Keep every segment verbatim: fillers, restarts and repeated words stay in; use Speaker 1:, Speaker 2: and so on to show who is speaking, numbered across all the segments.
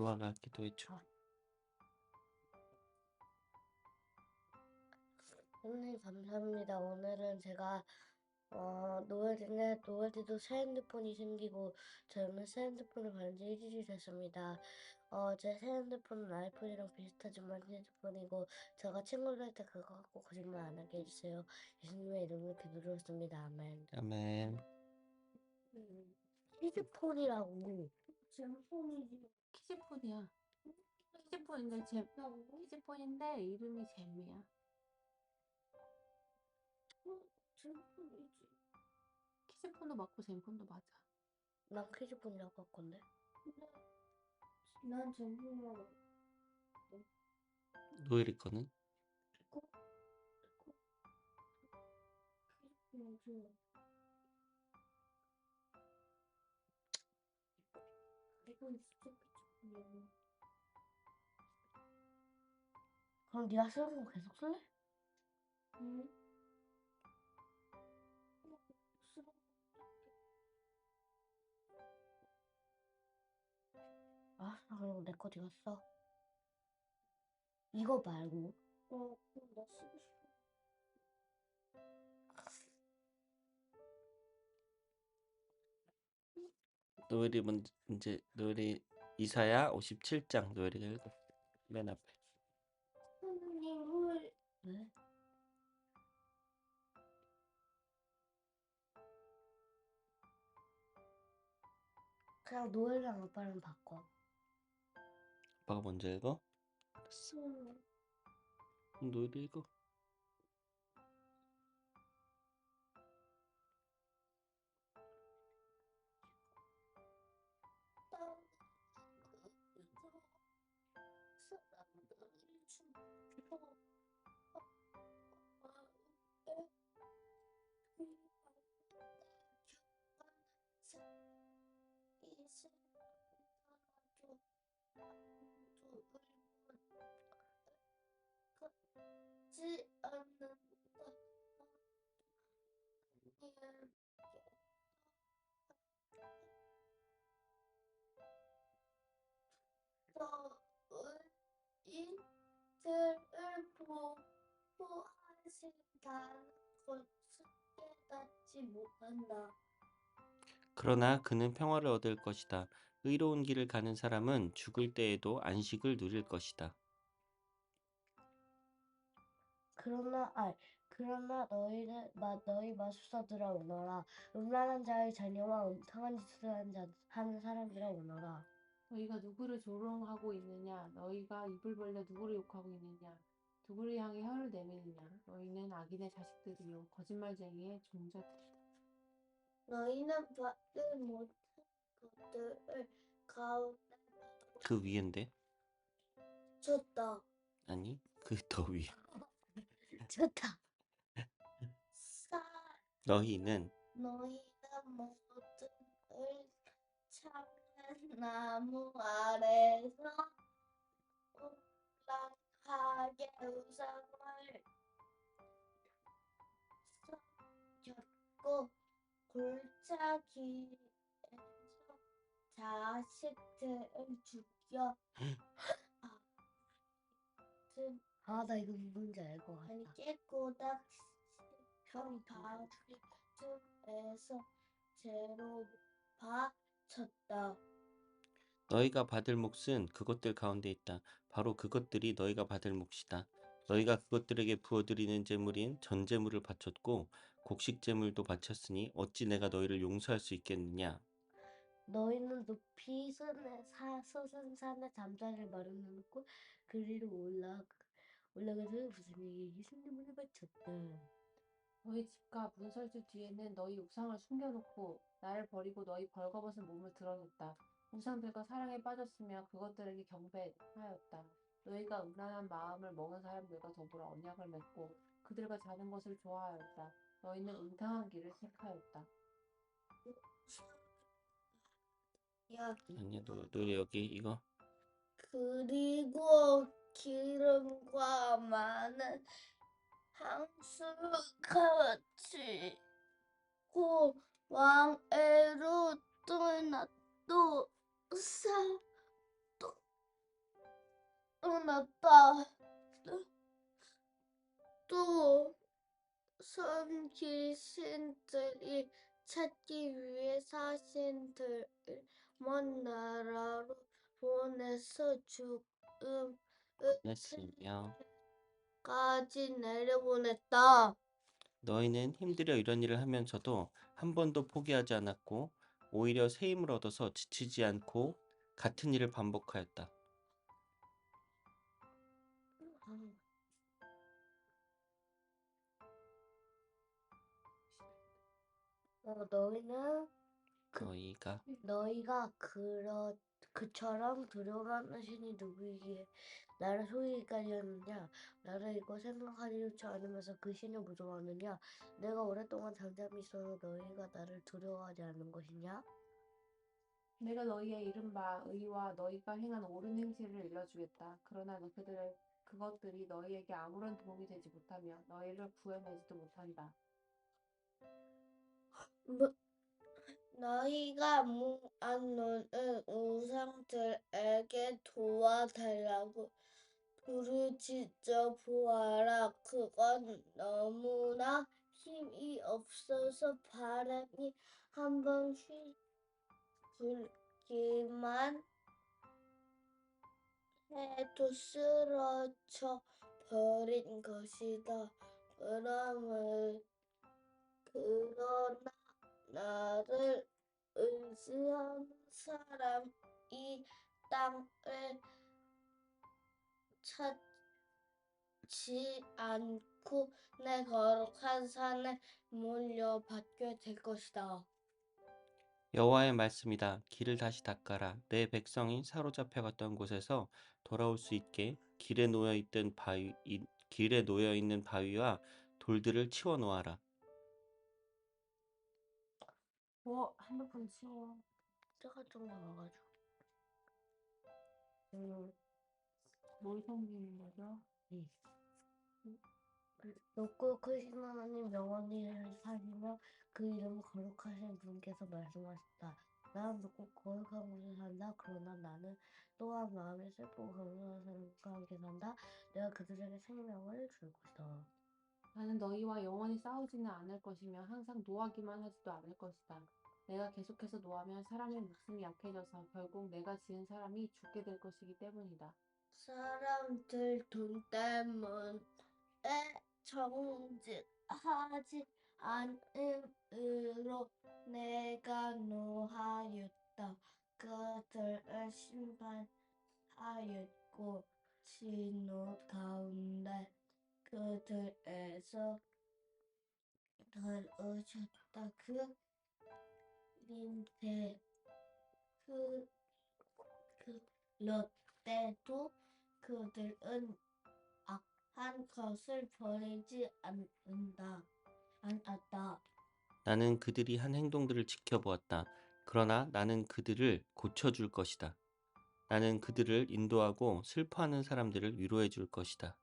Speaker 1: 노아가 기도해줘.
Speaker 2: 선생님 감사합니다. 오늘은 제가 어, 노을인데 노을이도 새 핸드폰이 생기고 저는 새 핸드폰을 받은 지 일주일이 됐습니다. 어, 제 새 핸드폰은 아이폰이랑 비슷하지만 핸드폰이고 제가 친구들한테 그거 갖고 거짓말 안 하게 해주세요. 예수님의 이름으로 기도드렸습니다. 아멘.
Speaker 1: 아멘.
Speaker 2: 음, 키즈폰이라고. 젠폰이지.
Speaker 3: 키즈폰이야. 키즈폰인데 제 키즈폰인데 이름이 잼이야.
Speaker 2: 젠폰이지.
Speaker 3: 키즈폰도 맞고 잼폰도 맞아.
Speaker 2: 난 키즈폰이라고 할 건데.
Speaker 4: 난 젠폰이라고.
Speaker 1: 노엘이 거는?
Speaker 4: 키즈폰이지. 이건 진짜 키즈폰이야.
Speaker 2: 그럼 네가 쓰는 거 계속 쓸래?
Speaker 4: 응?
Speaker 2: 아, 그럼 내 거 네가 써. 이거 말고.
Speaker 4: 어, 그럼 나 쓰고 싶어.
Speaker 1: 노엘이 먼저 이제 노엘이 이사야 오십칠 장 노엘이가 읽어. 맨 앞에.
Speaker 4: 선생님, 홀.
Speaker 2: 왜? 그냥 노엘이랑 아빠랑 바꿔.
Speaker 1: 아빠가 먼저 읽어? 알았어.
Speaker 4: 응.
Speaker 1: 그럼 노엘이 읽어.
Speaker 4: 지 않는다. 너희들을 보호하신다는 것을 깨닫지 못한다.
Speaker 1: 그러나 그는 평화를 얻을 것이다. 의로운 길을 가는 사람은 죽을 때에도 안식을 누릴 것이다.
Speaker 2: 그러나 아 그러나 너희는 마 너희 마술사들아 오너라. 음란한 자의 자녀와 음탕한 짓을 하는 자 하는 사람들아 오너라.
Speaker 3: 너희가 누구를 조롱하고 있느냐? 너희가 입을 벌려 누구를 욕하고 있느냐? 누구를 향해 혀를 내미느냐? 너희는 악인의 자식들이요 거짓말쟁이의 종자들이다.
Speaker 4: 너희는 받지 못한 것들을 가운데
Speaker 1: 그 위인데?
Speaker 4: 줬다.
Speaker 1: 아니, 그 더 위.
Speaker 2: 좋다.
Speaker 4: 사
Speaker 1: 너희는
Speaker 4: 너희는 모든 을 참는 나무 아래서 온락하게 우상을 줬고 골짜기에서 자식들을 죽여
Speaker 2: 아, 나 이거 누군지 알 것 같다.
Speaker 4: 아니 깨꼬닥 편 바위 중에서 죄로 바쳤다.
Speaker 1: 너희가 받을 몫은 그것들 가운데 있다. 바로 그것들이 너희가 받을 몫이다. 너희가 그것들에게 부어드리는 제물인 전제물을 바쳤고 곡식 제물도 바쳤으니 어찌 내가 너희를 용서할 수 있겠느냐?
Speaker 2: 너희는 높이 산에 사 솟은 산에 잠자리를 마련해놓고 그리로 올라 올라가서 무슨 얘기 예수님을 바쳤다.
Speaker 3: 너희 집과 문설주 뒤에는 너희 우상을 숨겨놓고 나를 버리고 너희 벌거벗은 몸을 드러냈다. 우상들과 사랑에 빠졌으며 그것들에게 경배하였다. 너희가 음란한 마음을 먹은 사람들과 더불어 언약을 맺고 그들과 자는 것을 좋아하였다. 너희는 음탕한 길을 택하였다.
Speaker 4: 야,
Speaker 1: 아니야, 너, 너희 여기 이거
Speaker 4: 그리고 기름과 많은 향수같이 고 왕애로 떠나 또 사, 또 났다. 또 선 귀신들이 찾기 위해 사신들을 먼 나라로 보내서 죽음의
Speaker 1: 보냈으며
Speaker 4: 까지 내려보냈다.
Speaker 1: 너희는 힘들여 이런 일을 하면서도 한 번도 포기하지 않았고 오히려 새 힘을 얻어서 지치지 않고 같은 일을 반복하였다.
Speaker 2: 어, 너희는
Speaker 1: 너희가
Speaker 2: 너희가 그러 그처럼 두려워하는 신이 누구이기에 나를 속이기까지 하느냐? 나를 이거 생각하지도 않으면서 그 신을 무서워하느냐? 내가 오랫동안 잠잠히 있어서 너희가 나를 두려워하지 않는 것이냐?
Speaker 3: 내가 너희의 이른바 의와 너희가 행한 옳은 행실을 일러주겠다. 그러나 그들의 그것들이 너희에게 아무런 도움이 되지 못하며 너희를 구해내지도 못한다.
Speaker 4: 뭐, 너희가 모아놓은 우상들에게 도와달라고 부르짖어 보아라. 그건 너무나 힘이 없어서 바람이 한번 불기만 해도 쓰러져 버린 것이다. 그러므 그러나 나를 의지하는 사람 이 땅을 찾지 않고 내 거룩한 산에 물려받게 될 것이다.
Speaker 1: 여호와의 말씀이다. 길을 다시 닦아라. 내 백성이 사로잡혀갔던 곳에서 돌아올 수 있게 길에 놓여 있던 바위 이, 길에 놓여 있는 바위와 돌들을 치워 놓아라.
Speaker 3: 어, 핸드폰 치워.
Speaker 2: 때가 좀 나와가지고. 음,
Speaker 3: 뭘 섬기는 거죠?
Speaker 2: 네. 높고 크신 하나님 영원히 사시며 그 이름 거룩하신 분께서 말씀하셨다. 나는 높고 거룩한 곳에 산다. 그러나 나는 또한 마음이 슬프고 거룩한 사람과 함께 산다. 내가 그들에게 생명을 줄 것이다.
Speaker 3: 나는 너희와 영원히 싸우지는 않을 것이며 항상 노하기만 하지도 않을 것이다. 내가 계속해서 노하면 사람의 목숨이 약해져서 결국 내가 지은 사람이 죽게 될 것이기 때문이다.
Speaker 4: 사람들 돈 때문에 정직하지 않음으로 내가 노하였다. 그들을 심판하였고 진노 가운데 그들에서 들으셨다. 그 민태 그, 그 롯데도 그들은 악한 것을 버리지 않는다. 않았다.
Speaker 1: 나는 그들이 한 행동들을 지켜보았다. 그러나 나는 그들을 고쳐줄 것이다. 나는 그들을 인도하고 슬퍼하는 사람들을 위로해 줄 것이다.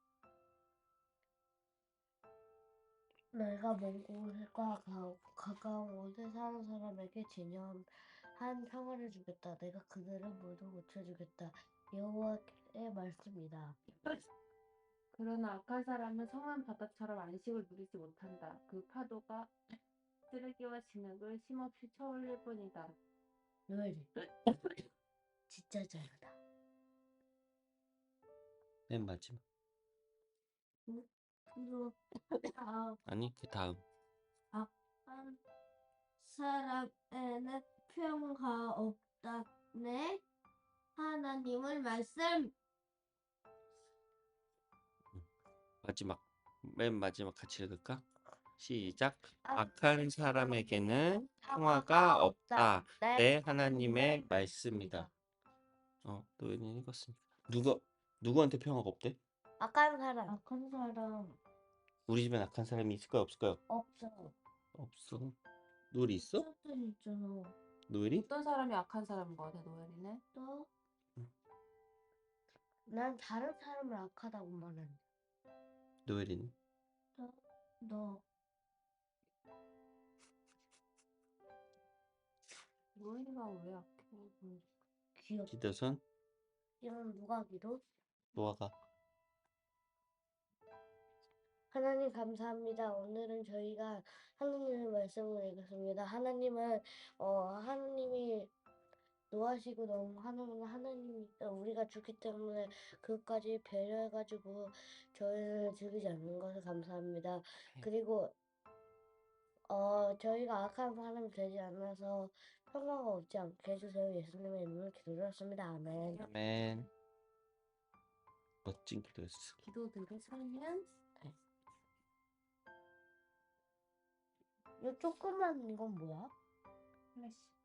Speaker 2: 내가 먼 곳과 가- 가까운 곳에 사는 사람에게 진정한 평화를 주겠다. 내가 그들을 모두 고쳐주겠다. 여호와의 말씀이다.
Speaker 3: 그러나 악한 사람은 성한 바다처럼 안식을 누리지 못한다. 그 파도가 쓰레기와 진흙을 쉼없이 쳐올릴 뿐이다.
Speaker 2: 노엘이 진짜 잘한다.
Speaker 1: 맨 마지막.
Speaker 4: 그리고 아,
Speaker 1: 아니, 그 다음.
Speaker 4: 악한 사람에는 평화 없다네. 하나님의 말씀.
Speaker 1: 마지막. 맨 마지막 같이 읽을까? 시작. 악한 사람에게는 평화가 없다. 내 하나님의 말씀이다. 어, 노예는 읽었으니까. 누가 누구한테 평화가 없대?
Speaker 2: 악한 사람
Speaker 4: 악한 사람
Speaker 1: 우리 집엔 악한 사람이 있을까요, 없을까요?
Speaker 2: 없어.
Speaker 1: 없어. 노엘이 있어?
Speaker 4: 있었던 있잖아.
Speaker 1: 노엘이?
Speaker 3: 어떤 사람이 악한 사람인 거 같아, 노엘이는?
Speaker 4: 너
Speaker 2: 난 다른 사람을 악하다고 말하는.
Speaker 1: 노엘이는?
Speaker 4: 너, 너
Speaker 3: 노엘이가 왜 악해? 음.
Speaker 2: 귀엽.
Speaker 1: 기도선?
Speaker 2: 이건 누가 기도?
Speaker 1: 노아가
Speaker 2: 하나님 감사합니다. 오늘은 저희가 하나님의 말씀을 읽었습니다. 하나님은 어 하나님이 노하시고 너무 하나님은 하나님이 우리가 죽기 때문에 그것까지 배려해가지고 저희를 죽이지 않는 것을 감사합니다. 그리고 어 저희가 악한 사람이 되지 않아서 평화가 없지 않게 해주세요. 예수님의 이름으로 기도드렸습니다. 아멘.
Speaker 1: 아멘. 멋진 기도였어.
Speaker 3: 기도들을 살면
Speaker 2: 이 조그만 이건 뭐야?
Speaker 3: 플래시.